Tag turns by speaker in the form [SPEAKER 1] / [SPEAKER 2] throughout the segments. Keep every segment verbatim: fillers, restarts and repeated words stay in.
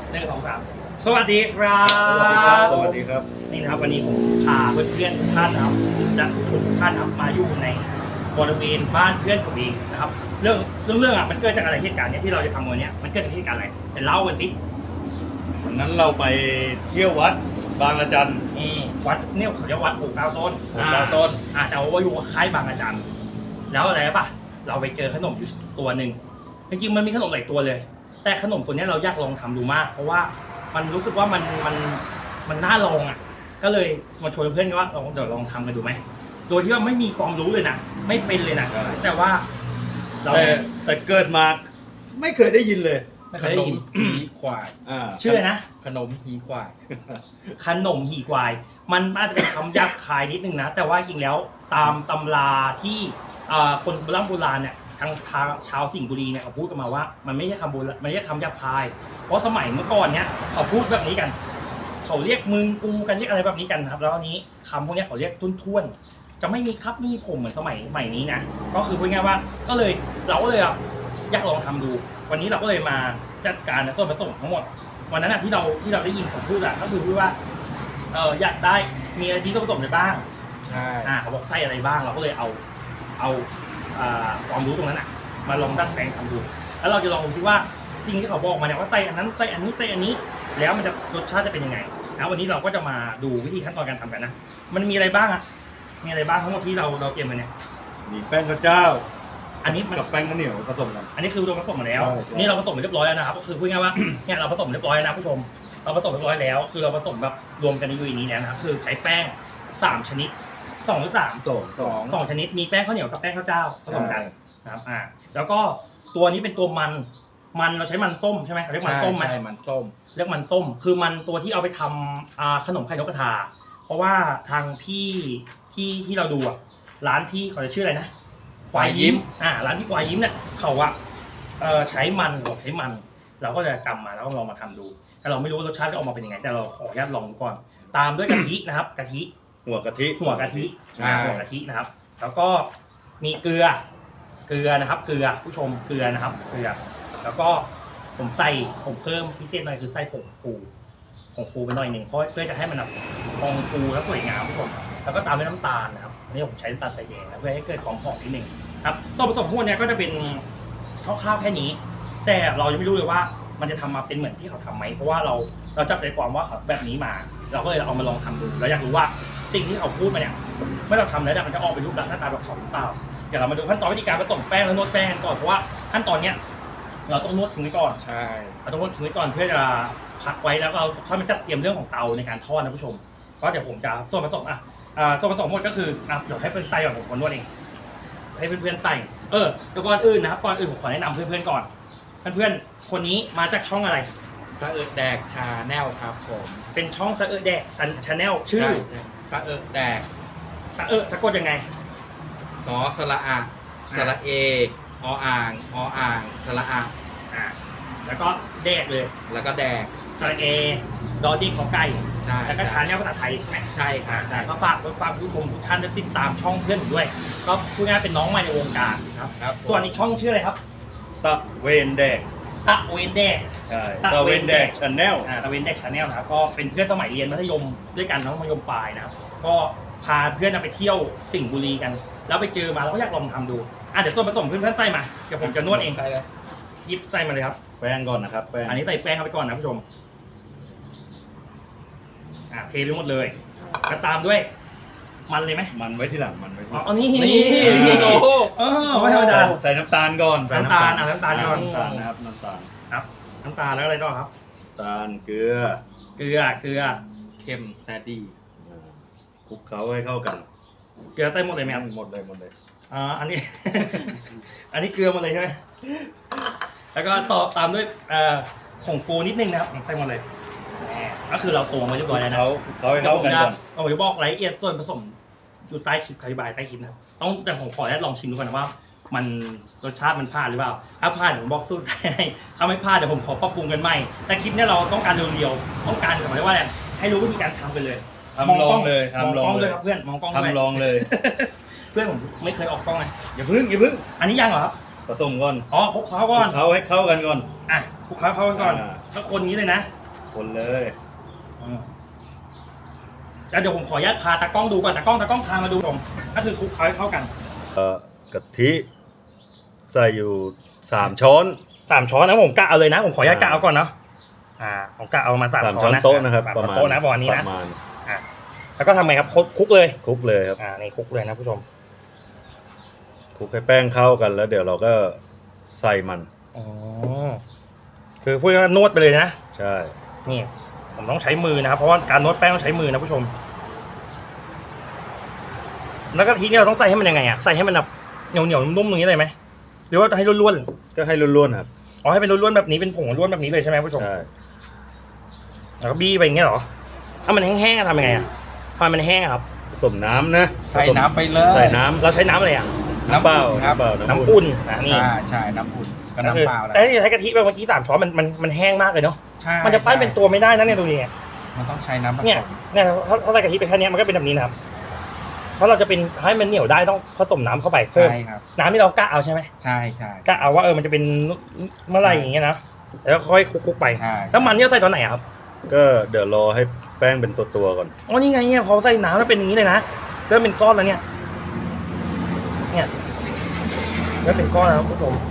[SPEAKER 1] หนึ่งสองสามสวัสดีครับ
[SPEAKER 2] สวัสดีครับสวัสดีครับ
[SPEAKER 1] นี่นะครับวันนี้ผมพาเพื่อนๆทุกท่านนะครับและผู้ชมทุกท่านนะครับมาอยู่ในบริเวณบ้านเพื่อนผมเองนะครับเรื่องเรื่องเรื่องอ่ะมันเกิดจากอะไรเหตุการณ์เนี้ยที่เราจะทำวันนี้มันเกิดจากเหตุการณ์อะไรเป็นเล่ากันสิ
[SPEAKER 2] วันนั้นเราไปเที่ยววัดบางระจัน
[SPEAKER 1] อืมวัดเนี่ยเขาเรียกวัดปลูกดาวต้น
[SPEAKER 2] ปลูกดาวต้น
[SPEAKER 1] อ่าแต่ว่าอยู่ค่ายบางระจันแล้วอะไรป่ะเราไปเจอขนมอยู่ตัวหนึ่งจริงๆมันมีขนมหลายตัวเลย แต่ขนมตัวนี้เราอยากลองทำดูมาก เพราะว่ามันรู้สึกว่ามันมันมันน่าลองอ่ะก็เลยมาชวนเพื่อนกันว่าเราเดี๋ยวลองทำกันดูไหมโดยที่ว่าไม่มีความรู้เลยนะไม่เป็นเลยนะแต่ว่าเรา
[SPEAKER 2] แต่แต่เกิดมาไม่เคยได้ยินเลย
[SPEAKER 1] ไม่เคยได้ยิน
[SPEAKER 3] หีควาย
[SPEAKER 2] อ่า
[SPEAKER 1] ชื่อนะ
[SPEAKER 3] ขนมหีควาย
[SPEAKER 1] ขนมหีควาย มันอาจจะเป็นคำหยาบคายนิดนึงนะแต่ว่าจริงแล้วตามตำราที่คนโบราณโบราณเนี่ยทางชาวสิงห์บุรีเนี่ยเขาพูดกันมาว่ามันไม่ใช่คำโบราณไม่ใช่คำหยาบคาย เพราะสมัยเมื่อก่อนเนี่ยเขาพูดแบบนี้กัน เขาเรียกมึงกูกันเรียกอะไรแบบนี้กันครับแล้วอันนี้คำพวกนี้เขาเรียกทุ่นท่วนจะไม่มีครับมีผมเหมือนสมัยใหม่นี้นะก็คือพูดง่ายว่าก็เลยเราก็เลยอยากลองทำดู วันนี้เราก็เลยมาจัดการส่วนผสมทั้งหมดวันนั้นที่เราที่เราได้ยินเขาพูดอะก็คือพูดว่าเอออยากได้มีอะไรที่ต้องผสมอะไรบ้าง
[SPEAKER 3] ใช่
[SPEAKER 1] อ่าเขาบอกไส้อะไรบ้างเราก็เลยเอาเอาความรู้ตรงนั้นอะมาลองดัดแปลงทำดูแล้วเราจะลองดูที่ว่าจริงที่เขาบอกมาเนี่ยว่าไส้อันนั้นไส้อันนี้ไส้อันนี้แล้วมันจะรสชาติจะเป็นยังไงนะวันนี้เราก็จะมาดูวิธีขั้นตอนการทำกันนะมันมีอะไรบ้างอะมีอะไรบ้างทั้งหมดที่เราเราเตรียมมาเนี่ย
[SPEAKER 2] มีแป้งข้าวเจ้า
[SPEAKER 1] อันนี้
[SPEAKER 2] กับแป้งข้าวเหนียวผสมกัน
[SPEAKER 1] อันนี้คือเราผสมมาแล้วนี่เราผสมเรียบร้อยแล้วนะครับก็คือพูดง่ายว่าเนี่ยเราผสมเรียบร้อยนะผู้ชมเราผสมเรียบร้อยแล้วคือเราผสมแบบรวมกันในยูนินี้แล้วนะครับคือใช้แป้งสามชนิดสองหรือสาม
[SPEAKER 2] สองสอง
[SPEAKER 1] สองชนิดมีแป้งข้าวเหนียวกับแป้งข้าวเจ้าผสมกันนะครับอ่าแล้วก็ตัวนี้เป็นตัวมันมันเราใช้มันส้มใช่ไหมเรียกมันส้มไหม
[SPEAKER 3] ใช่มันส้ม
[SPEAKER 1] เรียกมันส้มคือมันตัวที่เอาไปทำอ่าขนมไข่นกกระทาเพราะว่าทางพี่ที่ที่เราดูอ่ะร้านพี่เขาจะชื่ออะไรนะควายยิ้มอ่าร้านพี่ควายยิ้มเนี่ยเขาอะเอ่อใช้มันหรือใช้มันเราก็จะจำมาแล้วก็ลองมาทำดูแต่เราไม่รู้รสชาติจะออกมาเป็นยังไงแต่เราขออนุญาตลองดูก่อนตามด้วยกะทินะครับกะทิ
[SPEAKER 2] หัวกะทิ
[SPEAKER 1] หัวกะทิอ่าหัวกะทินะครับแล้วก็มีเกลือเกลือนะครับเกลือผู้ชมเกลือนะครับเกลือแล้วก็ผมใส่ผมเพิ่มพิเศษหน่อยคือใส่ผงฟูผงฟูไปหน่อยหนึ่งเพราะเพื่อจะให้มันแบบพองฟูและสวยงามผู้ชมแล้วก็ตามด้วยน้ำตาลนะครับอันนี้ผมใช้น้ำตาลใส่แดงนะเพื่อให้เกิดความหอมนิดนึงครับส่วนผสมพวกนี้ก็จะเป็นคร่าวๆแค่นี้แต่เรายังไม่รู้เลยว่ามันจะทำมาเป็นเหมือนที่เขาทำไหมเพราะว่าเราเราจับใจความว่าเขาแบบนี้มาเราก็เลยเอามาลองทำดูแล้วอยากรู้ว่าสิ่งที่เขาพูดมาเนี่ยเมื่อเราทำแล้วมันจะออกเป็นรูปลักษณ์หน้าตาแบบเขาหรือเปล่าเดี๋ยวเรามาดูขั้นตอนวิธีการผสมแป้งและนวดแป้งก่อนเพราะว่าขั้นตอนเนี้ยเราต้องนวดทิ้งไว้ก่อน
[SPEAKER 3] ใช่
[SPEAKER 1] เราต้องนวดทิ้งไว้ก่อนเพื่อจะพักไว้แล้วเราค่อยมาจัดเตรียมเรื่องของเตาในการทอดนะผู้ชมก็เดี๋ยวผมจะส่วนผสมอ่ะส่วนผสมหมดก็คืออ่ะเดี๋ยวให้เพื่อนใส่ก่อนผมคนนวดเองให้เพื่อนๆใส่เออเดี๋ยวก่อนอื่นนะครับก่อนอื่นผมขอแนะนำเพื่อนๆก่อนเพื่อนๆคนนี้มาจากช่องอะไร
[SPEAKER 3] สะเอิดแดกชาแนลครับผม
[SPEAKER 1] เป็นช่องสะเอิดแดกชาแนลชื่อ
[SPEAKER 3] สะเอิดแดก
[SPEAKER 1] สะเอิดสะกดยังไง
[SPEAKER 3] สอสระอะสระเอออ่างออ่างสระอะ
[SPEAKER 1] อ่าแล้วก็แดกเลย
[SPEAKER 3] แล้วก็แดก
[SPEAKER 1] สระเอดอดิ้งของไก่
[SPEAKER 3] ใช่
[SPEAKER 1] แล้วก็ชาแนลภาษาไทยใช่ไหม
[SPEAKER 3] ใช่ครับ
[SPEAKER 1] แต่ก็ฝากฝากผู้ชมทุกท่านได้ติดตามช่องเพื่อนผมด้วยก็พูดง่ายเป็นน้องใหม่ในวงการครับส่วนอีกช่องชื่ออะไรครับ
[SPEAKER 2] ตะเวนแดก
[SPEAKER 1] ตะเวนแดก
[SPEAKER 2] ใช่ตะเวนแดกชาแนล
[SPEAKER 1] อ่าตะเวนแดกชาแนลนะครับก็เป็นเพื่อนสมัยเรียนมัธยมด้วยกันทั้งมัธยมปลายนะครับก็พาเพื่อนไปเที่ยวสิงห์บุรีกันแล้วไปเจอมาเราก็อยากลองทำดูอ่ะเดี๋ยวส่วนผสมเพื่อนๆใส่มาเดี๋ยวผมจะนวดเอง
[SPEAKER 3] ใช่เลย
[SPEAKER 1] หยิบใส่มาเลยครับ
[SPEAKER 2] แป้งก่อนนะครับแป้ง
[SPEAKER 1] อันนี้ใส่แป้งเข้าไปก่อนนะผู้ชมอ่าเทไปหมดเลยแล้วตามด้วยมันเลยไหม
[SPEAKER 2] มันไว้ที่หลังมันไว้ที่
[SPEAKER 1] อ๋อนี่นี่
[SPEAKER 3] โอ้โห
[SPEAKER 1] เออไม่ธรรมดา
[SPEAKER 2] ใส่น้ำตาลก่อน
[SPEAKER 1] น้ำตาลอ่ะน้ำตาลก่อน
[SPEAKER 2] น้ำตาลนะครับน้ำตาล
[SPEAKER 1] ครับน้ำตาลแล้วอะไรต่อครับ
[SPEAKER 2] ตาลเกลือ
[SPEAKER 1] เกลือเกลือ
[SPEAKER 3] เค็มแต่ดี
[SPEAKER 2] คลุกเคล้าให้เข้ากัน
[SPEAKER 1] เกลือใส่หมดเลยไหมครับ
[SPEAKER 2] หมดเลยหมดเลย
[SPEAKER 1] อ่าอันนี้ อันนี้เกลือหมดเลยใช่ไหมแล้วก็ต่อตามด้วยเอ่อผงฟูนิดนึงนะครับใส่หมดเลยก็คือเราตวงไว้เรียบร้อยแล้วนะ
[SPEAKER 2] เขาเขาให้เข้ากันก่อน
[SPEAKER 1] ผมจะบอกรายละเอียดส่วนผสมอยู่ใต้คลิปอธิบายใต้คลิปนะต้องแต่ผมขอลองชิมดูก่อนนะว่ามันรสชาติมันพลาดหรือเปล่าถ้าพลาดผมบอกสู้ได้ถ้าไม่พลาดเดี๋ยวผมขอปรับปรุงกันใหม่แต่คลิปนี้เราต้องการเรียวๆต้องการหมายว่าอะไรให้รู้วิธีการทำไปเลย
[SPEAKER 2] ทำลองเลย
[SPEAKER 1] ทำลองเลยครับเพื่อนมองกล้อง
[SPEAKER 2] ทำลองเลย
[SPEAKER 1] เพื่อนผมไม่เคยออกกล้องไง
[SPEAKER 2] อย่าพึ่งอย่าพึ่ง
[SPEAKER 1] อันนี้ยังเหรอครับ
[SPEAKER 2] ผสมก่อน
[SPEAKER 1] อ๋อคลุกเคล้าก่อน
[SPEAKER 2] เขาให้เข้ากันก่อน
[SPEAKER 1] อ่ะคลุกเคล้าเข้ากันก่อน
[SPEAKER 2] อ่า
[SPEAKER 1] แล้วคนนี้เลยนะ
[SPEAKER 2] คนเลย
[SPEAKER 1] อืมแล้วเดี๋ยวผมขออนุญาตพาตากล้องดูก่อนตากล้องตากล้องพามาดูผมก็คือคลุกเคล้าให้เข้ากัน
[SPEAKER 2] เอ่อกะทิใส่อยู่สามช้อน
[SPEAKER 1] สามช้อนนะผมกะเอาเลยนะ ผมขออนุญาตกะเอาก่อนเนาะอ่าผมกะเอามาสาม
[SPEAKER 2] สาม
[SPEAKER 1] ช้
[SPEAKER 2] ช้
[SPEAKER 1] อ
[SPEAKER 2] อน น
[SPEAKER 1] นะ
[SPEAKER 2] โต๊ะนะครับ
[SPEAKER 1] สาม
[SPEAKER 2] ประ
[SPEAKER 1] ช้อน
[SPEAKER 2] มาณ
[SPEAKER 1] โต๊ะนะประมาณนี้
[SPEAKER 2] ป
[SPEAKER 1] นะ
[SPEAKER 2] ระมาณ
[SPEAKER 1] อ่าแล้วก็ทำไงครับคลุกคลุกเลย
[SPEAKER 2] คลุกเลยครับ
[SPEAKER 1] อ่านี่คลุกเลยนะผู้ชม
[SPEAKER 2] คลุกให้แป้งเข้ากันแล้วเดี๋ยวเราก็ใส่มัน
[SPEAKER 1] อ๋อคือพูดง่ายๆนวดไปเลยนะ
[SPEAKER 2] ใช่
[SPEAKER 1] นี่ผมต้องใช้มือนะครับเพราะว่าการนวดแป้งต้องใช้มือนะผู้ชม แล้วก็ทีนี้เราต้องใส่ให้มันยังไงอ่ะใส่ให้มันแบบเหนียวเหนียวๆนุ่มๆอย่างนี้เลยไหมหรือว่าให้ร่วน
[SPEAKER 2] ก็ให้ร่วนๆครับ
[SPEAKER 1] ๆอ๋อให้เป็นร่วนๆแบบนี้เป็นผงร่วนแบบนี้เลยใช่ไหมผู้ชม
[SPEAKER 2] ใช่
[SPEAKER 1] แล้วก็บี้ไปอย่างเงี้ยเหรอถ้ามันแห้งๆอะทำยังไงอ่ะพอมันแห้งอะครับ
[SPEAKER 2] ผสมน้ำนะ
[SPEAKER 3] ใส่น้ำไปเลย
[SPEAKER 2] ใส่น้ำ
[SPEAKER 1] เราใช้น้ำอะไรอ่ะ
[SPEAKER 2] น้ำเปล่า
[SPEAKER 3] ครับ
[SPEAKER 2] น้ำเปล่า
[SPEAKER 1] น้ำอุ่นนะนี่
[SPEAKER 3] อ่าใช่น้ำอุ่นก็
[SPEAKER 1] ก็คือ
[SPEAKER 3] น้ำเปล่าแหละ
[SPEAKER 1] แต่ที่ใช้กะทิไปเมื่อกี้สามช้อนมันมันมันแห้งมากเลยเนาะ
[SPEAKER 3] ใช่
[SPEAKER 1] มันจะปั้นเป็นตัวไม่ได้นะเนี่ยดูดิเนี่ย
[SPEAKER 3] มันต้องใช้น้ำผสม
[SPEAKER 1] เนี่ยเนี่ยถ้าถ้าใส่กะทิไปแค่เนี้ยมันก็เป็นแบบนี้นะครับเพราะเราจะเป็นให้มันเหนียวได้ต้องผสมน้ำเข้าไปเพิ่ม
[SPEAKER 3] ใช่ครับ
[SPEAKER 1] น้ำที่เรากะเอาใช่ไหม
[SPEAKER 3] ใช่ใช่
[SPEAKER 1] กะเอาว่าเออมันจะเป็นเมื่อไหรอย่างเงี้ยนะแล้วค่อยคลุกๆไป
[SPEAKER 3] ใช่
[SPEAKER 1] แล้วมันเนี่ยเราใส่ตอนไหนอะครับ
[SPEAKER 2] ก็เดี๋ยวรอให้แป้งเป็นตัวๆก่อน
[SPEAKER 1] อ๋อนี่ไงเนี่ยพอใส่น้ำแล้วเป็นอย่างนี้เลยนะเริ่มเป็นก้อนแล้วเนี่ยเนี่ยเริ่มเป็นก้อนแล้วคุณผู้ชม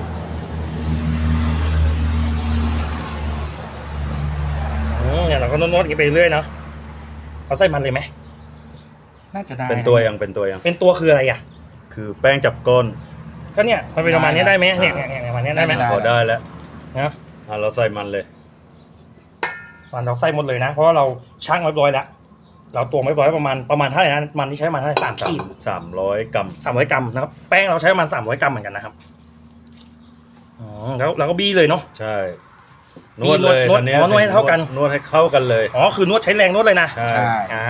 [SPEAKER 1] อืมเนี่ยเราก็นวดๆอย่างนี้ไปเรื่อยเนาะเราใส่มันเลยไหม
[SPEAKER 3] น่าจะได้
[SPEAKER 2] เป็นตัวยังเป็นตัวยัง
[SPEAKER 1] เป็นตัวคืออะไรอ่ะ
[SPEAKER 2] คือแป้งจับก้น
[SPEAKER 1] ก็เนี่ยมันเป็นประมาณนี้ได้ไหมเนี่ยเนี่ยเนี่ยประมาณนี้ได้ไหม
[SPEAKER 2] พอได้แล้ว
[SPEAKER 1] นะ
[SPEAKER 2] อ่ะเราใส่มันเลย
[SPEAKER 1] มันเราใส่หมดเลยนะเพราะว่าเราชั่งเรียบร้อยแล้วเราตวงเรียบร้อยประมาณประมาณเท่าไหร่นะมันที่ใช้ประมาณเท่าไหร่สามขีด
[SPEAKER 2] สามร้อยกรัม
[SPEAKER 1] สามร้อยกรัมนะครับแป้งเราใช้ประมาณสามร้อยกรัมเหมือนกันนะครับอ๋อแล้วเราก็บี้เลยเนาะ
[SPEAKER 2] ใช่ นวดเลย
[SPEAKER 1] นวด
[SPEAKER 2] ตอนนี้
[SPEAKER 1] อ๋อนวดให้เท่ากัน
[SPEAKER 2] นวดให้เข้ากันเลย
[SPEAKER 1] อ๋อคือนวดใช้แรงนวดเลยนะ
[SPEAKER 2] ใช่
[SPEAKER 3] ใช่
[SPEAKER 1] อ่า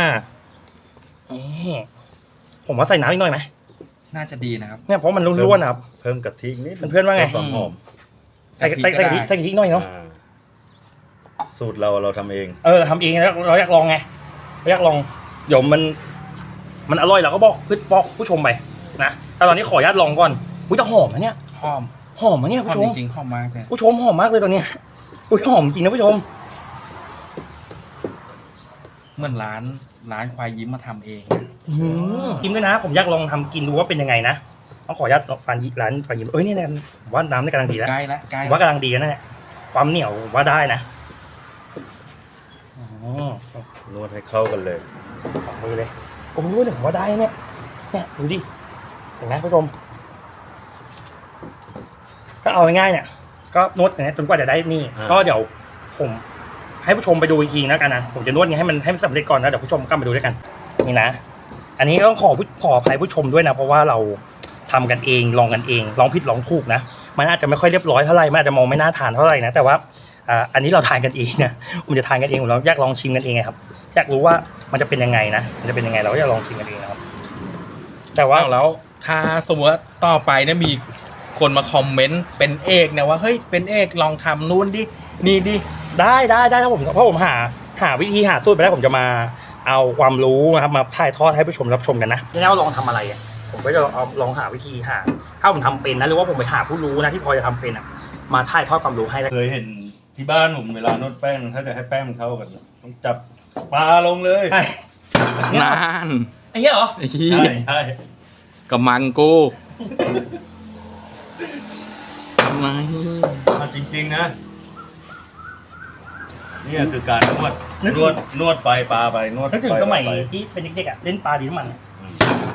[SPEAKER 1] นี่ผมว่าใส่น้ำอีกหน่อยไหม
[SPEAKER 3] น่าจะดีนะครับ
[SPEAKER 1] เนี่ยเพราะมันร่วนๆนะครับ
[SPEAKER 2] เพิ่มกะทินิด
[SPEAKER 1] เพื่อนๆว่าไง
[SPEAKER 2] ความหอม
[SPEAKER 1] ใส่ใส่ใส่กะทิใส่กะทิหน่อยเนาะ
[SPEAKER 2] อ่าสูตรเราเราทำเอง
[SPEAKER 1] เออทำเองแล้วเราอยากลองไงเราอยากลองเดี๋ยวมัน มันอร่อยเราก็บอกเพื่อนบอกผู้ชมไปนะแต่ตอนนี้ขออนุญาตลองก่อนอุ้ยจะหอมนะเนี่ย
[SPEAKER 3] หอม
[SPEAKER 1] หอมนะเนี่ย
[SPEAKER 3] หอ
[SPEAKER 1] ผู้
[SPEAKER 3] ม
[SPEAKER 1] ชม
[SPEAKER 3] จริงๆหอมมากเลย
[SPEAKER 1] ผู้ชมหอมมากเลยตอนเนี้ยอุ้ยหอมจริงนะผู้ชม
[SPEAKER 3] เหมือนร้านร้านควายยิ้มมาทำเอง
[SPEAKER 1] กินด้วยนะ ผมอยากลองทำกินดูว่าเป็นยังไงนะต้องขออนุญาตฟันร้านฟันยิมเอ้ยเนี่ยผมว่าน้ำนี่กำลังดีแล้ว
[SPEAKER 3] ใกล้แล้วใกล้
[SPEAKER 1] ผมว่ากำลังดีแล้วนะเนี่ยความเหนียวผมว่าได้นะอ๋อน
[SPEAKER 2] วดให้เข้ากันเลย
[SPEAKER 1] สองมือเลยโอ้โหเนี่ยผมว่าได้เนี่ยเนี่ยดูดิเห็นไหมผู้ชมก็เอาง่ายๆเนี่ย ก็นวดอย่างนี้ยจนกว่าจะได้นี่
[SPEAKER 2] อ่า
[SPEAKER 1] ก็เดี๋ยวผมให้ผู้ชมไปดูอีกทีแล้วกันนะผมจะนวดนี้ให้มันให้มันสำเร็จก่อนนะเดี๋ยวผู้ชมก็มาดูด้วยกันนี่นะอันนี้ก็ต้องขอผู้ขออภัยผู้ชมด้วยนะเพราะว่าเราทำกันเองลองกันเองลองผิดลองถูกนะมันอาจจะไม่ค่อยเรียบร้อยเท่าไหร่มันอาจจะมองไม่น่าทานเท่าไหร่นะแต่ว่าอ่าอันนี้เราทานกันเองนะผมจะทานกันเองผมเราอยากลองชิมกันเองไงครับอยากรู้ว่ามันจะเป็นยังไงนะมันจะเป็นยังไงเราก็อยากลองชิมกันเองนะครับแต่ว่า
[SPEAKER 3] ว่าแล้วถ้าสมมติว่าต่อไปเนี่ยมีคนมาคอมเมนต์เป็นเอกเนี่ยว่าเฮ้ยเป็นเอกลองทำนู่นดินี่ดิ
[SPEAKER 1] ได้ได้ได้ถ้าผมเพราะผมหาหาวิธีหาสูตรไปแล้วผมจะมาเอาความรู้นะครับมาถ่ายทอดให้ผู้ชมรับชมกันนะที่แน่ว่าลองทำอะไรอ่ะผมก็จะเอาลองหาวิธีหาถ้าผมทำเป็นนะหรือว่าผมไปหาผู้รู้นะที่พอจะทำเป็นอ่ะมาถ่ายทอดความรู้ให้แล้ว
[SPEAKER 2] เคยเห็นที่บ้านผมเวลานวดแป้งถ้าจะให้แป้งมันเข้ากันต้องจับปลาลงเลย
[SPEAKER 1] ใช่
[SPEAKER 3] นาน
[SPEAKER 1] ไอ้เหี้ยเหรอ
[SPEAKER 3] ไอ้เหี้
[SPEAKER 2] ใช่
[SPEAKER 3] ย
[SPEAKER 2] ใช่
[SPEAKER 3] กำมังกูไม่
[SPEAKER 2] เอาจริงๆนะนี่คือการนวดนวดนวดไปปลาไปนวด
[SPEAKER 1] นึกถึง
[SPEAKER 2] ไป
[SPEAKER 1] สมัย
[SPEAKER 2] ไป
[SPEAKER 1] ที่เป็นเด็กๆอ่ะเล่นปลาดีน้ำมันอะ
[SPEAKER 2] อืม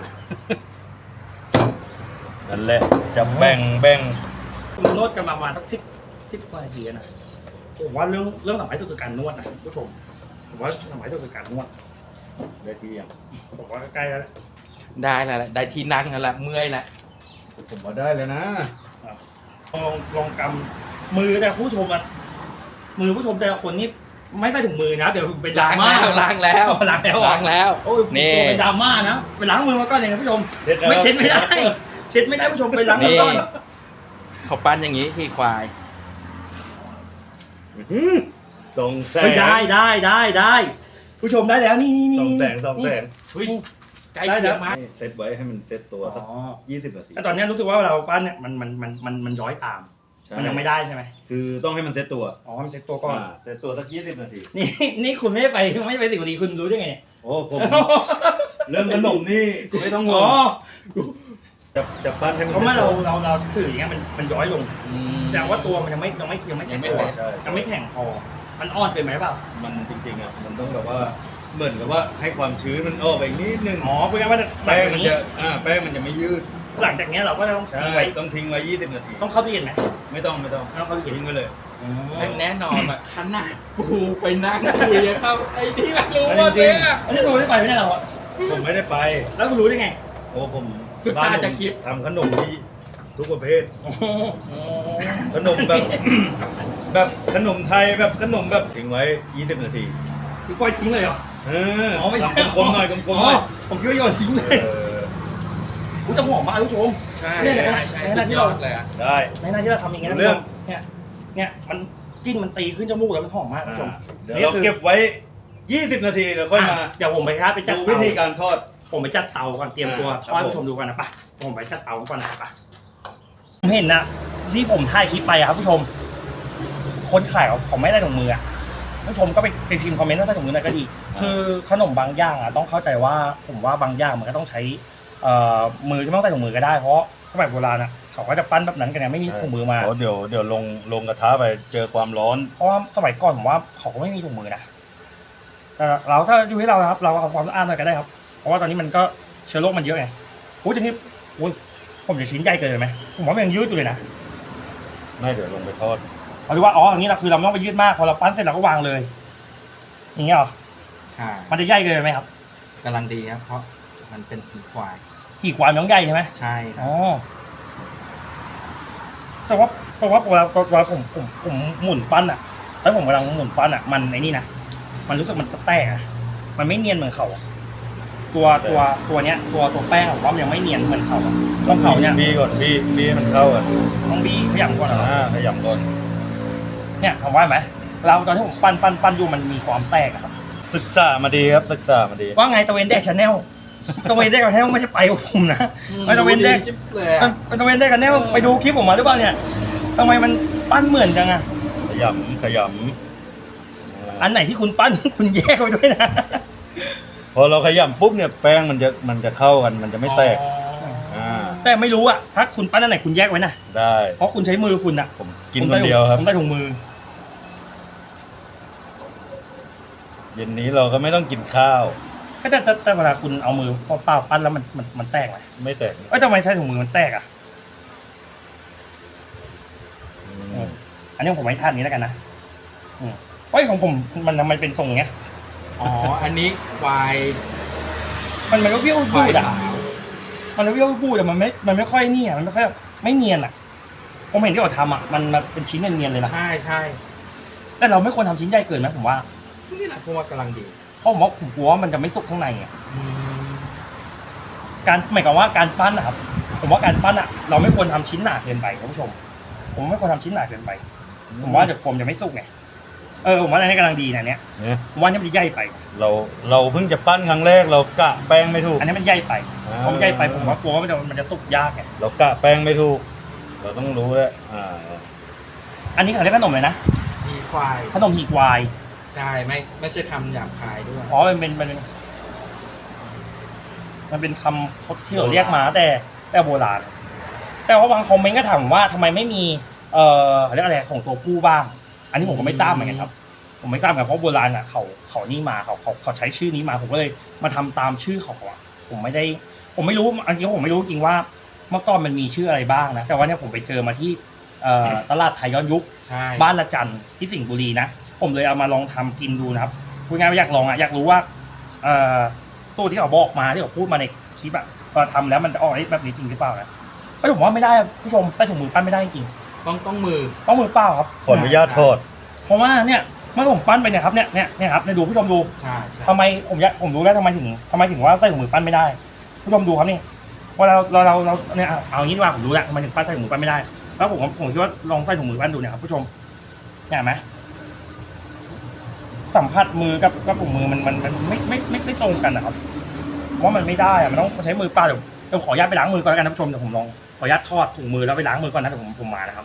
[SPEAKER 2] นั่นแหละจะแบ่งแบ่ง
[SPEAKER 1] ผมนวดกันมาประมาณสักสิบสิบกว่านาทีแล้วนะผมว่าเรื่องเรื่องสำคัญที่สุดคือการนวดนะผู้ชมผมว่าสำคัญที่สุดคือการนวด
[SPEAKER 2] ได้ที่ยัง
[SPEAKER 1] ผมว่าใกล้แล้วแหละ
[SPEAKER 3] ได้แล้วแหละได้ที่นั่งแล้วแหละเมื่อยแล้ว
[SPEAKER 2] ผมว่าได้เลยนะ
[SPEAKER 1] ลองลองกำมือแต่ผู้ชมอะมือผู้ชมแต่ละคนนี่ไม่ได้ถึงมือนะเดี๋ยวเป็นดรา
[SPEAKER 3] ล้าง
[SPEAKER 1] ม่า
[SPEAKER 3] แล้วล้างแล้ว
[SPEAKER 1] ล้างแล้วเหรอ
[SPEAKER 3] ล้างแล้ว
[SPEAKER 1] โอ้ย
[SPEAKER 3] นี่
[SPEAKER 1] เป็นดราม่านะไปล้างมือมาก่อนเลยนะผู้ชม
[SPEAKER 2] เช็ดแล้ว
[SPEAKER 1] ไม่เช็ดไม่ได้ เช็ดไม่ได้ผู้ชมไปล้างมือ
[SPEAKER 3] นี่
[SPEAKER 1] ก่อน
[SPEAKER 3] เขาปั้นอย่างนี้ที่ควาย
[SPEAKER 2] อื้อหือส่องแสง
[SPEAKER 1] เฮ้ยได้ได้ได้ได้ผู้ชมได้แล้วนี่นี่นี่
[SPEAKER 2] ส่องแสงส่องแสง
[SPEAKER 1] เฮ้ย
[SPEAKER 3] ใกล้เคียงมาก
[SPEAKER 2] เซตไว้ให้มันเซตตัวสัก
[SPEAKER 1] อ๋อ
[SPEAKER 2] ยี่สิบนาที
[SPEAKER 1] แต่ตอนนี้รู้สึกว่าเราปั้นเนี่ยมันมันมันมันมันย้อยตาม
[SPEAKER 2] ใช่
[SPEAKER 1] มันยังไม่ได้ใช่ไหม
[SPEAKER 2] คือต้องให้มันเซตตัว
[SPEAKER 1] อ๋อมันเซ็ตตัวก่อน
[SPEAKER 2] อ่าเซตตัวสักยี่สิบนาที
[SPEAKER 1] นี่นี่คุณไม่ได้ไปไม่ได้ไปสิบนาทีคุณรู้ได้ไงเนี่ย
[SPEAKER 2] โอ้ผมเรื่องขนมนี่ไม่ต้องง
[SPEAKER 1] อ๋อง
[SPEAKER 2] จะจะปั้นให้มัน
[SPEAKER 1] เพราะว่าเรา
[SPEAKER 2] ซ็ตตัว
[SPEAKER 1] เราเราถืออย่างเงี้ยมันมันย้อยลง
[SPEAKER 3] อืม
[SPEAKER 1] แสดงว่าตัวมันยังไม่ยังไม่ยังไม่
[SPEAKER 3] ยั
[SPEAKER 1] แข็ง
[SPEAKER 3] งไม่
[SPEAKER 1] พอ
[SPEAKER 3] เสร็จ
[SPEAKER 1] ยังไม่แข็งพอมันอ่อนเกินไหมเปล่า
[SPEAKER 2] มันจริงๆอ่ะมันต้องแบบว่าเหมือนกับว่าให้ความชื้นมันออกไปนิดนึง
[SPEAKER 1] อ๋อเพราะงั้นว่าหลั
[SPEAKER 2] แป้
[SPEAKER 1] ง
[SPEAKER 2] ง
[SPEAKER 1] จาก
[SPEAKER 2] มัน
[SPEAKER 1] นี้
[SPEAKER 2] จะอ่าแป้งมันจะไม่ยืด
[SPEAKER 1] หลังจากเนี้ยเราก็จะต้อง
[SPEAKER 2] ใช่
[SPEAKER 1] ทิ้งไว้
[SPEAKER 2] ต้องทิ้งไว้ยี่สิบนาที
[SPEAKER 1] ต้องเข้าตู้เย็นไหม
[SPEAKER 2] ไม่ต้องไม่ต้อง
[SPEAKER 1] ไม่ต้องเข้าตู้เย็น
[SPEAKER 2] ทิ้งไว้เลย
[SPEAKER 3] แน่นอนอ่ะขนาดกูไปนั่งคุยกับเขาไอ้ที่มันรู้ว่าเนี่ย
[SPEAKER 1] อันนี้คุณไม่ได้ไปไม่ได้หรอ
[SPEAKER 2] ผมไม่ได้ไป
[SPEAKER 1] แล้วคุณรู้ได้ไง
[SPEAKER 2] โอ้ผม
[SPEAKER 3] ศึกษาจากคลิป
[SPEAKER 2] ทำขนมที่ทุกประเภท
[SPEAKER 1] อ๋อ
[SPEAKER 2] ขนมแบบ แบบขนมไทยแบบขนมแบบทิ้งไว้ยี่สิบนาที
[SPEAKER 1] คือปล่อยทิ้งเลยเหรอ
[SPEAKER 2] เออ
[SPEAKER 1] อ๋อไม่ใช่
[SPEAKER 2] ทำกลมๆหน่อยกลมๆหน่อย
[SPEAKER 1] ผมคิดว่าโยนทิ้งเลย
[SPEAKER 2] เออ
[SPEAKER 1] อุ้ยจะหอมมากคุณผู้ชม
[SPEAKER 3] ใช่
[SPEAKER 1] เนี่ย
[SPEAKER 3] ใช่
[SPEAKER 1] ในขณะ
[SPEAKER 3] ใช่
[SPEAKER 1] ในข
[SPEAKER 3] สุ
[SPEAKER 1] ณะ
[SPEAKER 3] ด
[SPEAKER 1] ที่
[SPEAKER 3] ย
[SPEAKER 1] เรา
[SPEAKER 3] อดเลยอ่ะ
[SPEAKER 2] ได้
[SPEAKER 1] ในขณะที่เราทำอย่างเงี้ยนะ
[SPEAKER 2] เรื่อง
[SPEAKER 1] เนี่ยเนี่ยมันกลินมันตีขึ้นจมูกแล้วมันหอมมากคุณผู้ชม
[SPEAKER 2] เดี๋ยวเราเก็บไว้ยี่สิบนาทีเดี๋ยวค่อยมา
[SPEAKER 1] อ่ะเดี๋ยวผมไปครับไปจัด
[SPEAKER 2] ดู
[SPEAKER 1] เตา
[SPEAKER 2] วิธีการทอด
[SPEAKER 1] ผมไปจัดเตาก่อนเตรียมตัว
[SPEAKER 2] อ่า
[SPEAKER 1] ทอดให้ผู้ชมดูกันนะปะผมไปจัดเตาก่อนนะปะผมเห็นนะที่ผมถ่ายคลิปไปอะครับผู้ชม คนขายเขาเขาไม่ได้ถุงมืออะผู้ชมก็ไปไปพิมพ์คอมเมนต์ว่าใส่ถุงมือหน่อยก็ดี คือขนมบางอย่างอะต้องเข้าใจว่าผมว่าบางอย่างมันก็ต้องใช้เอ่อมือที่ไม่ต้องใส่ถุงมือก็ได้เพราะสมัยโบราณอะเขาก็จะปั้นแบบนั้นกันเนี่ยไม่มีถุงมือมา
[SPEAKER 2] โอ้เดี๋ยวเดี๋ยวลงลงกระทะไปเจอความร้อน
[SPEAKER 1] เพราะว่าสมัยก่อนผมว่าเขาก็ไม่มีถุงมือนะแต่เราถ้าอยู่ที่เรานะครับ เราเอาความสะอาดหน่อยก็ได้ครับ เพราะว่าตอนนี้มันก็เชื้อโรคมันเยอะไงอุ้ยทีนี้อุ้ยผมจะชิ้นใหญ่เกินไปไหมผมว่ามันยังยืดอยู่เลยนะ
[SPEAKER 2] ไม่เดี๋ยวลงไปทอด
[SPEAKER 1] เอาดูว่าอ๋ออย่างนี้เราคือเราไม่ต้องไปยืดมากพอเราปั้นเสร็จเราก็วางเลย อย่างเงี้ยเหรอ
[SPEAKER 3] ใช่
[SPEAKER 1] มันจะใหญ่เกินไปไหมครับ
[SPEAKER 3] กำลังดีครับ เพราะมันเป็นหีควาย
[SPEAKER 1] ขี่ความนต้องใหญ่ใช่ไหม
[SPEAKER 3] ใช่ครั
[SPEAKER 1] อ๋
[SPEAKER 3] บ
[SPEAKER 1] อแต่ว่าแต่ว่าเวลาเวลาผมผมผมหมุนปั้นอะแล้วผมกำลังหมุนปั้นอะมันไอ้นี่นะมันรู้สึกมันแตกอะมันไม่เนียนเหมือนเขาอะตัวตัวตัวเนี้ย ตัวตัวแป้งผมว่ามันยังไม่เนียนเหมือนเขาอะต้องเขาเนี่ย
[SPEAKER 2] บีก่อนบีบีให้มันเข้ากัน
[SPEAKER 1] ต้องบีขยำก่อนเหรอ
[SPEAKER 2] อ่าขยำก่อน
[SPEAKER 1] เนี่ยทำว่าไหมเราตอนที่ผมปั้นปั้นปั้นอยู่มันมีความแตกอะครับ
[SPEAKER 2] ศึกษามาดีครับศึกษามาดี
[SPEAKER 1] ว่าไงตะเวนแดกชาแนลตะเวนแดกชาแนลไม่ใช่ไปกับผมนะ ไม่ตะเวนแดก
[SPEAKER 3] ชิบเลยอ่ะ
[SPEAKER 1] ไปตะเวนแดกกันแนลไปดูคลิปผมมาหรือเปล่าเนี่ยทำไมมันปั้นเหมือนจังอะ
[SPEAKER 2] ขยำขยำ
[SPEAKER 1] อันไหนที่คุณปั้น คุณแยกไว้ด้วยนะ
[SPEAKER 2] พอเราขยำปุ๊บเนี่ยแป้งมันจะมันจะเข้ากันมันจะไม่แตกอ่า
[SPEAKER 1] แต่ไม่รู้อะถ้าคุณปั้นอันไหนคุณแยกไว้นะ
[SPEAKER 2] ได้
[SPEAKER 1] เพราะคุณใช้มือคุณอะ
[SPEAKER 2] ผมกินคนเดียวครับ
[SPEAKER 1] ผมได้ถุงมือ
[SPEAKER 2] เย็นนี้เราก็ไม่ต้องกินข้าว
[SPEAKER 1] ก็แต่แต่แต่เวลาคุณเอามือเปล่าๆปั้นแล้วมันมันมันแตกไหม
[SPEAKER 2] ไม่แตก
[SPEAKER 1] เอ้ยทำไมใช้ถุงมือมันแตกอะ
[SPEAKER 2] อืม
[SPEAKER 1] อันนี้ผมไม่ทานนี้แล้วกันนะอืมเฮ้ยของผมมันทำไมเป็นทรงอย่างเงี้ย
[SPEAKER 3] อ๋อ อันนี้ควาย
[SPEAKER 1] มันมันก็เบี้ยว
[SPEAKER 3] ค
[SPEAKER 1] บู
[SPEAKER 3] วาย
[SPEAKER 1] ดอะ
[SPEAKER 3] ขาว
[SPEAKER 1] มันก็เบี้ยวบูดอะมันไม่มันไม่ค่อยเนี่ยมันไม่ค่อยไม่เนียนอะผมเห็นที่เขาทำอะมันมันเป็นชิ้นเนียนๆเลยนะ
[SPEAKER 3] ใช่ใช่
[SPEAKER 1] แต่เราไม่ควรทำชิ้นใหญ่เกินไหมผมว่า
[SPEAKER 3] นี่แหละผมว่ากำลังดี
[SPEAKER 1] เพราะผมว่าผมกลัวว่ามันจะไม่สุกข้างในไง
[SPEAKER 3] อืม
[SPEAKER 1] การหมายความว่าการปั้นนะครับ ผมว่าการปั้นอะเราไม่ควรทำชิ้นหนาเกินไปคุณผู้ชม ผมไม่ควรทำชิ้นหนาเกินไป ผมว่าเดี๋ยวผมจะไม่สุกไงเออผมว่าอันนี้กำลังดีนะเนี่ย
[SPEAKER 2] เนี่ย
[SPEAKER 1] ผมว่าอันนี้มันใหญ่ไป
[SPEAKER 2] เราเราเพิ่งจะปั้นครั้งแรกเรากะแป้งไม่ถูก
[SPEAKER 1] อันนี้มันใหญ่ไป
[SPEAKER 2] อ่า
[SPEAKER 1] ผมใหญ่ไปผมว่ากลัวว่ามันจะมันจะสุกยากไง
[SPEAKER 2] เรากะแป้งไม่ถูก เราต้องรู้แล้วอ่า
[SPEAKER 1] อันนี้เขาเรียกขนมเลยนะ
[SPEAKER 3] หีควาย
[SPEAKER 1] ขนมหีควาย
[SPEAKER 3] ใช่ไม่ไม่ใช่คำหยาบคายด้วย
[SPEAKER 1] อ๋อมันเป็นมันเป็นมันเป็นคำที่เราเรียกมาแต่แต่โบราณ แต่ว่าบางคอมเมนต์ก็ถามว่าทำไมไม่มีเอ่อเขาเรียกอะไรของตัวผู้บ้าง อันนี้ผมก็ไม่ทราบเหมือนกันครับ ผมไม่ทราบเหมือนกันเพราะโบราณอ่ะเขาเขานี่มาเขาเขาเขาใช้ชื่อนี้มาผมก็เลยมาทำตามชื่อเขาอ่ะผมไม่ได้ ผมไม่รู้อันนี้ผมไม่รู้จริงว่าเมื่อก่อนมันมีชื่ออะไรบ้างนะแต่ว่าเนี่ยผมไปเจอมาที่เอ่อตลาดไทยย้อนยุค
[SPEAKER 3] ใช่
[SPEAKER 1] บ้านละจันที่สิงห์บุรีนะผมเลยเอามาลองทำกินดูนะครับพูดง่ายๆว่าอยากลองอ่ะอยากรู้ว่าเอ่อสูตรที่เขาบอกมาที่เขาพูดมาในคลิปอ่ะพอทำแล้วมันจะออกได้แบบนี้จริงหรือเปล่านะก็ผมว่าไม่ได้ผู้ชมใต้ถุงมือปั้นไม่ได้จริง
[SPEAKER 3] ต้องต้องมือ
[SPEAKER 1] ต้องมือเปล่าครับ
[SPEAKER 2] ขออนุญาตทอด
[SPEAKER 1] เพราะว่าเนี่ยเมื่อผมปั้นไปเนี่ยครับเนี่ยเนี่ยเนี่ยครับเนี่ยดูผู้ชมดู
[SPEAKER 3] ใช่ใช่
[SPEAKER 1] ทำไมผมอยากผมรู้แล้วทำไมถึงทำไมถึงว่าใส่ถุงมือปั้นไม่ได้ ผู้ชมดูครับนี่ว่าเราเราเราเราเนี่ยเอาเอางี้ดีกว่าผมรู้แล้วทำไมถึงปั้นใส่ถุงมือปั้นไม่ได้แล้วผมผมคิดว่าลองใส่ถุงมือปั้นดูเนี่ยครับผู้ชมเนี่ยเห็นไหมสัมผัสมือกับกับถุงมือมันมันมันไม่ไม่ไม่ไม่ตรงกันนะครับเพราะมันไม่ได้อะมันต้องใช้มือเปล่าเดี๋ยวเดี๋ยวขออนุญาตไปล้างมือก่อนแล้วกันท่านผู้ชมเดี๋ยวผมลองขออนุญาตทอดถุงมือแล้วไปล้างมือก่อนนะเดี๋ยวผมผมมานะครับ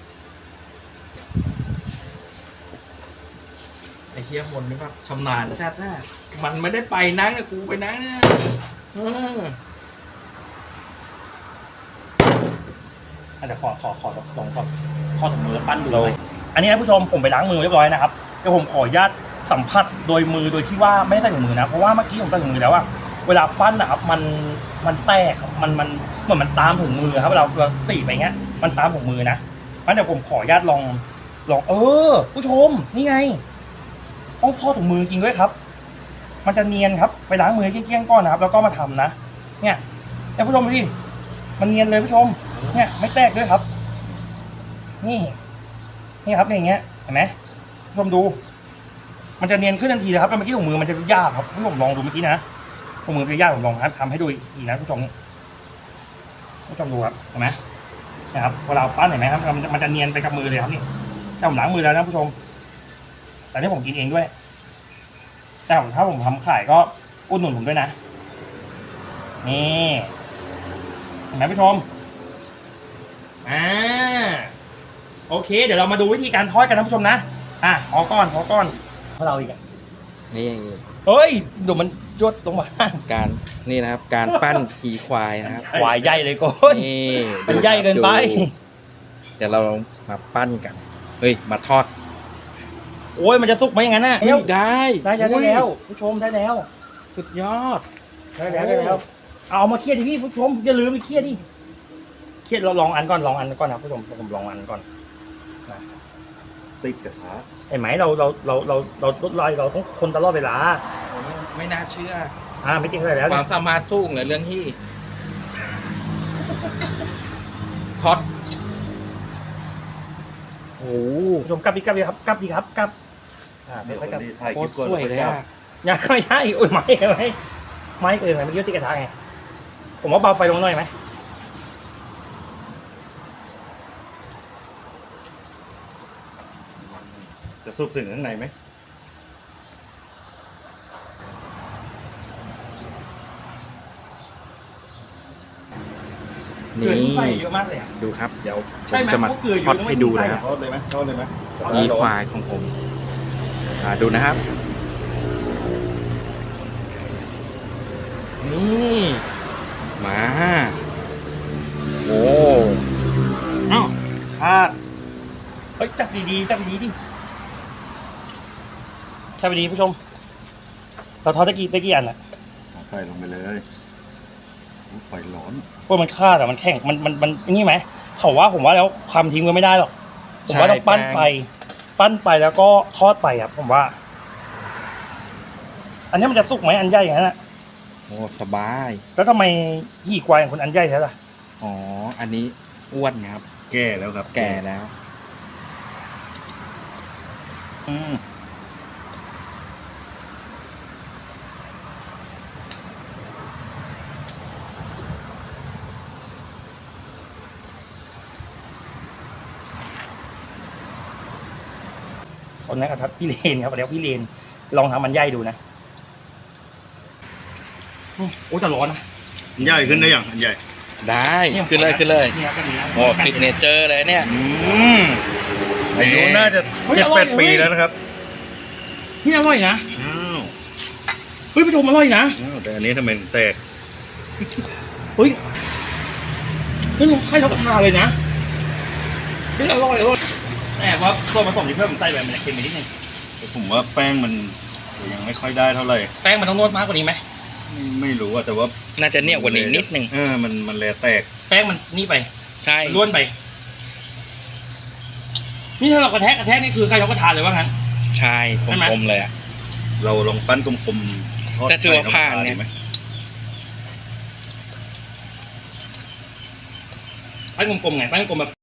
[SPEAKER 3] ไอ้เฮียมนนี่แบบชำนาญจัดนะมันไม่ได้ไปนั่งนะกูไปนั่งนะเออ
[SPEAKER 1] อ่ะเดี๋ยวขอขอขอลองก่อนทอดถุงมือแล้วปั้นดูเลยอันนี้นะผู้ชมผมไปล้างมือเรียบร้อยนะครับเดี๋ยวผมขออนุญาตสัมผัสโดยมือโดยที่ว่าไม่ได้ใส่ถุงมือนะเพราะว่าเมื่อกี้ผมใส่ถุงมือแล้วว่าเวลาปั้นนะครับมันมันแตกครับมันมันเหมือนมันตามถุงมือครับเวลาเราตีไปเงี้ยมันตามถุงมือนะงั้นเดี๋ยวผมขออนุญาตลองลองเออ ผู้ชมนี่ไงต้องทอดถุงมือจริงด้วยครับ มันจะเนียนครับไปล้างมือเกลี้ยงๆก่อนนะครับ แล้วก็มาทำนะเนี่ยเนี่ยผู้ชมดูดิมันเนียนเลยผู้ชมเนี่ยไม่แตกด้วยครับ นี่นี่ครับอย่างเงี้ยเห็นไหมผู้ชมดู มันจะเนียนขึ้นทันทีเลยครับแต่เมื่อกี้ถุงมือมันจะยากครับผู้ชมลองดูเมื่อกี้นะถุงมือเป็นยากผมลองทำให้ดูอีกนะผู้ชมผู้ชมดูครับเห็นไหมนะครับเวลาปั้นเห็นไหมครับมันมันจะเนียนไปกับมือเลยครับนี่ถ้าผมล้างมือแล้วนะผู้ชม แต่นี่ผมกินเองด้วยแต่ถ้าผมทำขายก็อุดหนุนผมด้วยนะนี่เห็นไหมผู้ชมอ่าโอเคเดี๋ยวเรามาดูวิธีการทอดกันนะผู้ชมนะอ่ะพอก้อนพอก้อนเพราะเราอีกอ่ะ
[SPEAKER 3] นี่
[SPEAKER 1] เฮ้ยเดี๋ยวมันยดลงมา
[SPEAKER 3] การนี่นะครับ การปั้นขี่ควายนะครับ
[SPEAKER 1] ควายใหญ่เลยก้น
[SPEAKER 3] นี่
[SPEAKER 1] มันใหญ่เกินไป
[SPEAKER 3] ดูเดี๋ยวเรามาปั้นกันเฮ้ยมาทอด
[SPEAKER 1] โอ้ยมันจะสุกไหมอย่างนั้นน่ะ
[SPEAKER 3] เฮ้ยได้
[SPEAKER 1] ได้แล้วได้แล้วผู้ชมได้แล้ว
[SPEAKER 3] สุดยอด
[SPEAKER 1] ได้แล้วได้แล้วเอามาเครียดดิพี่ผู้ชมอย่าลืมไปเครียดดิเครียดเราลองอันก่อนลองอันก่อนนะผู้ชมผมลองอันก่อน
[SPEAKER 2] ติดกระทะ
[SPEAKER 1] เห็นไหมเราเราเราเราเราลดลอยเราต้องคนตลอดเวลา
[SPEAKER 3] ไม่น่าเชื่อ
[SPEAKER 1] อ่าไม่จริงเลยแล้ว
[SPEAKER 3] ค
[SPEAKER 1] เนี่
[SPEAKER 3] วาย มสามารถสู้เหนือเรื่องที่ทอดโอ้โห
[SPEAKER 1] ผู้ชมกลับดีกลับดีครับกลับดีครับกลับอ่า
[SPEAKER 2] เดี๋ยว
[SPEAKER 1] ค่อยๆกลับ
[SPEAKER 2] นี้ถ่าย
[SPEAKER 3] โค
[SPEAKER 2] คลิ
[SPEAKER 3] ต
[SPEAKER 2] ป
[SPEAKER 3] ร
[SPEAKER 2] ก่อน
[SPEAKER 3] สวยเลยอ่ะ
[SPEAKER 1] ยังไม่ใช่โอ้ยไม่ไม่ไม่เกินไปมันยืดติดกระทะไงผมว่าเบาไฟลงหน่อยไหม
[SPEAKER 2] จะซุปถึงข้างในไหม
[SPEAKER 1] เกลือที่
[SPEAKER 3] นี่
[SPEAKER 1] ใส่เยอะมากเลยอ่ะ
[SPEAKER 3] ดูครับ เดี๋ยวผ
[SPEAKER 1] ใช่
[SPEAKER 3] ม
[SPEAKER 1] ไหม
[SPEAKER 3] จะมา
[SPEAKER 1] พวกเกลืออยู่
[SPEAKER 3] ทอด
[SPEAKER 1] แล้ว
[SPEAKER 3] ให้ดูนะครับ
[SPEAKER 2] ทอดเลยไหมทอดเลยไหม
[SPEAKER 3] นี่ควายของผมอ่าดูนะครับ นี่มาโอ้
[SPEAKER 1] เอ้าคาดเฮ้ยจับดีๆจับดีๆดิจับดีๆผู้ชม เราทอดตะกี้ตะกี้อันอ่ะ
[SPEAKER 2] ใส่ลงไปเลยไฟร้อน
[SPEAKER 1] พวกมันคาดอ่ะมันแข็งมันมันมันนี่ไหมเขาว่าผมว่าแล้วความทิ้งก็ไม่ได้หรอกผมว่าต้องปั้นไป ปั้นไปแล้วก็ทอดไปครับผมว่า อันนี้มันจะสุกไหมอันใหญ่อย่างนั้นอ่ะ
[SPEAKER 3] โอ้สบาย
[SPEAKER 1] แล้วทำไมหี่ควายของคนอันใหญ่ใช่ล่ะ
[SPEAKER 3] อ๋ออันนี้อ้วนครับ
[SPEAKER 2] แก่แล้วครับ
[SPEAKER 3] แก่แล้ว
[SPEAKER 1] อืมคนนั้นกับพี่เลนครับเดี๋ยวพี่เลนลองทำมันใหญ่ดูนะอืมโอ้แต่ร้อนนะ
[SPEAKER 2] ใหญ่ขึ้นได้อย่างอันใหญ่
[SPEAKER 3] ได้ขึ้นเลยขึ้นเลย
[SPEAKER 1] เนี่ยก็ดีนะ
[SPEAKER 3] โอ้ซิกเนเจอร์เลยเนี่ย
[SPEAKER 2] อืมอายุน่าจะเจ็ดแปดปีแล้วนะครับ
[SPEAKER 1] นี่อร่อยนะ
[SPEAKER 2] อ้าว
[SPEAKER 1] เฮ้ยผู้ชมอร่อยนะ
[SPEAKER 2] อ้าวแต่อันนี้ทำไมแตก
[SPEAKER 1] เฮ้ยเฮ้ยลงไข่เราก็ทานเลยนะเฮ้ยอร่อยอร่อยแต่ว่าตัวผสมที่เพิ่มผมใส่ไปมันจะเค็มไปนิดนึง
[SPEAKER 2] ผมว่าแป้งมันยังไม่ค่อยได้เท่าไหร่
[SPEAKER 1] แป้งมันต้องนวดมากกว่านี้ไหม
[SPEAKER 2] ไม่ไม่รู้อะแต่ว่า
[SPEAKER 3] น่าจะเหนียวกว่านี้นิดนึง
[SPEAKER 2] เออมันมันแลแตก
[SPEAKER 1] แป้งมันนี่ไป
[SPEAKER 3] ใช่
[SPEAKER 1] ล้วนไป นี่ถ้าเรากระแทกกระแทกนี่คือใครเราก็ทานเลยว่างั้น
[SPEAKER 3] ใช่
[SPEAKER 1] ใช่ไหม
[SPEAKER 3] กลมๆเลยอ่ะ
[SPEAKER 2] เราลองปั้นกลมๆทอด
[SPEAKER 3] แต่ถือว่า
[SPEAKER 2] ไข่
[SPEAKER 3] ผ่านเนี่ย
[SPEAKER 2] ดีไหม
[SPEAKER 1] ปั้นกลมๆไงปั้นกลมๆแบบ